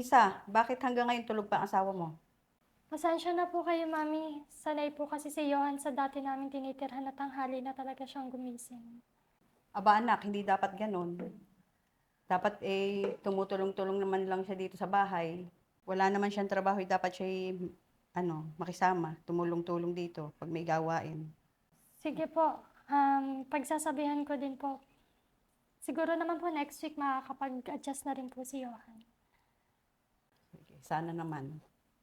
Isa, bakit hanggang ngayon tulog pa ang asawa mo? Pasensya na po kayo, Mami. Sanay po kasi si Johan sa dati namin tinitirhan na tanghali na talaga siyang gumising. Aba anak, hindi dapat ganon. Dapat tumutulong-tulong naman lang siya dito sa bahay. Wala naman siyang trabaho, dapat siya makisama, tumulong-tulong dito pag may gawain. Sige po, pagsasabihan ko din po. Siguro naman po next week makakapag-adjust na rin po si Johan. Sige, sana naman.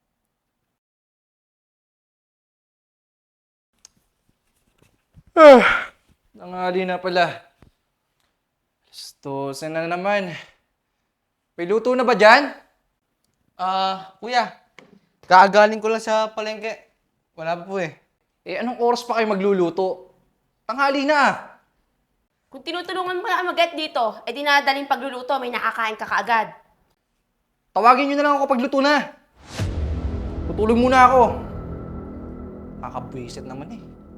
Tanghali na pala. Gusto, na naman. May luto na ba dyan? Kuya, kaagaling ko lang sa palengke. Wala pa po eh. Eh, anong oras pa kayo magluluto? Tanghali na ah. Kung tinutulungan mo lang mag-get dito, dinadaling pagluluto, may nakakain ka kaagad. Tawagin nyo na lang ako pagluto na. Tutulog muna ako. Kakabwisit naman eh.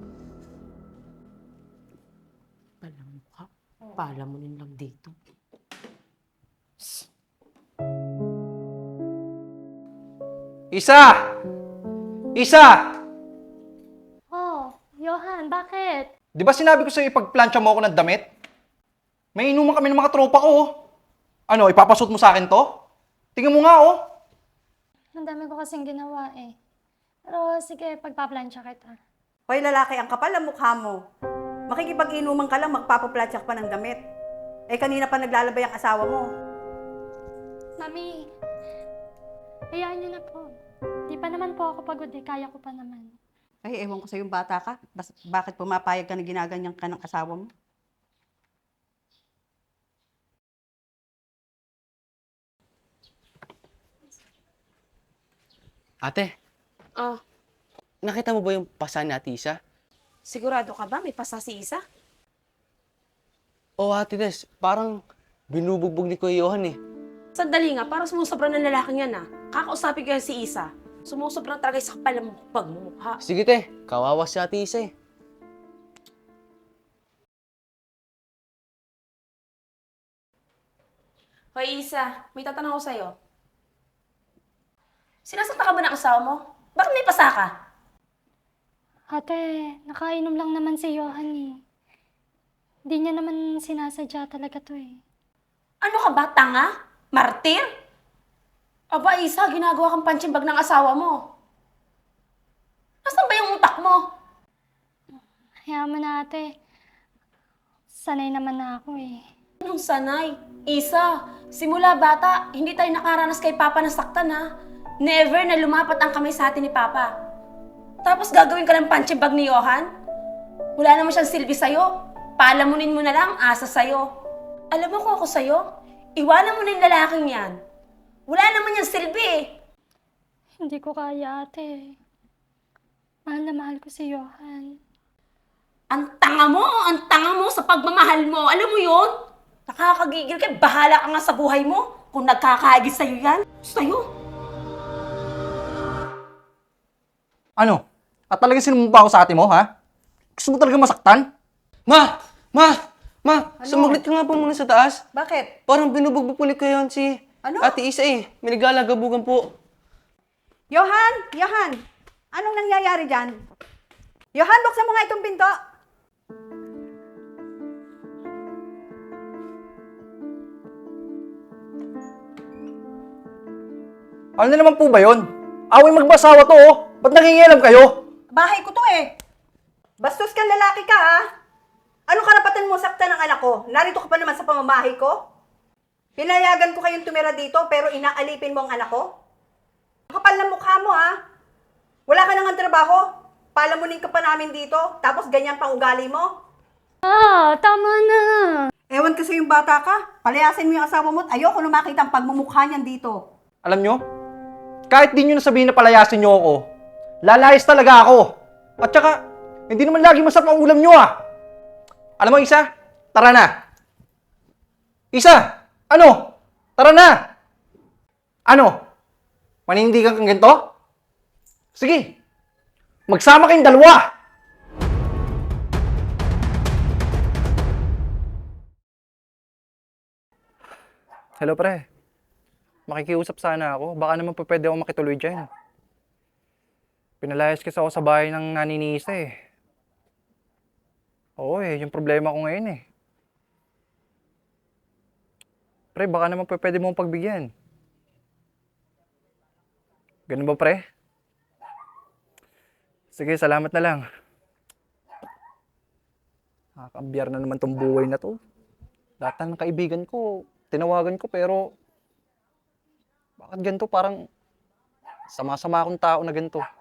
Palamukha. Palamunin lang dito. Isa! Isa! Oh, Johan, bakit? Di ba sinabi ko sa'yo ipagplansya mo ako ng damit? May inuman kami ng mga tropa ko oh. Ano, ipapasot mo sa akin to? Tingnan mo nga oh. Ang dami ko kasing ginawa eh. Pero sige, pagpaplansya kita. Hoy lalaki, ang kapal ang mukha mo. Makikipag-inuman ka lang, magpapaplatsak pa ng damit. Eh kanina pa naglalabay ang asawa mo. Mami, hayaan niyo na po. Di pa naman po ako pagod eh, kaya ko pa naman. Ay, ewan ko sa'yo bata ka. Bakit pumapayag ka na ginaganyan ka ng asawa mo? Ate, Oh, nakita mo ba yung pasa ni Ate Isa? sigurado ka ba? May pasa si Isa? Oo, Ate Des, parang binubugbog ni Kuya Johan eh. Sandali nga, parang sumusobra ng lalaking yan ah. Kakausapin ko yan si Isa. Sumusobra talaga sa kapal ng pagmumukha. Sige te, kawawa si Ate Isa eh. Hoy Isa, may tatanong ako sa'yo. Sinasakta ka ba ng asawa mo? Bakit may pasa ka? Ate, nakainom lang naman si Johan eh. Hindi niya naman sinasadya talaga to eh. Ano ka ba, tanga? Martir? Aba Isa, ginagawa kang punching bag ng asawa mo. Nasaan ba yung utak mo? Hayaan mo na ate. Sanay naman na ako eh. Anong sanay? Isa, simula bata, hindi tayo nakaranas kay Papa ng saktan ha. Never na lumapat ang kamay sa atin ni Papa. Tapos gagawin ka ng punching bag ni Johan? Wala naman siyang silbi sa'yo. Palamunin mo na lang, asa sa'yo. Alam mo kung ako sa'yo, iwanan mo na yung lalaking yan. Wala naman yung silbi eh. Hindi ko kaya ate. Mahal na mahal ko si Johan. Ang tanga mo sa pagmamahal mo. Alam mo yun? Nakakagigil ka, bahala ka nga sa buhay mo. Kung nagkakahagis sa'yo yan, sa'yo. Ano? At talaga sinumumpa ako sa ate mo ha? Gusto mo talaga masaktan? Ma! Sumaglit ka nga po muna sa taas. Bakit? Parang binubugbog po ni Kuya Johan si Ano? Ate Isa eh. May naglalagabugan po. Johan! Anong nangyayari dyan? Johan, buksan mo nga itong pinto. Ano na naman po ba yun? Away magbasawa to oh. Ba't nangingialam kayo? Bahay ko to eh. Bastos kang lalaki ka ha. Anong karapatan mo saktan ng anak ko? Narito ka pa naman sa pamamahay ko? Pinayagan ko kayong tumira dito pero inaalipin mo ang anak ko? Kapal na mukha mo ha. Wala ka nang trabaho. Palamunin ka pa namin dito. Tapos ganyan pang ugali mo. Ah, tama na. Ewan kasi yung bata ka. Palayasin mo yung asawa mo at ayoko na makita ang pagmumukha niyan dito. Alam nyo? Kahit di nyo nasabihin na palayasin nyo ako, lalayas talaga ako. At saka, hindi naman lagi masarap ang ulam nyo ah. Alam mo Isa, tara na. Isa, ano? Tara na. Ano? Manindigan kang ganito? Sige, magsama kayong dalawa. Hello pre. Makikiusap sana ako. Baka naman po pwede ako makituloy dyan. Pinalayas kasi ako sa bahay ng nani ni Isa eh. Oo eh, yung problema ko ngayon eh. Pre, baka naman po pwede mong pagbigyan. Ganun ba, pre? Sige, salamat na lang. Nakakambiyar na naman tong buhay na to. Lahat ng kaibigan ko, tinawagan ko pero bakit ganito? Parang sama-sama akong tao na ganito.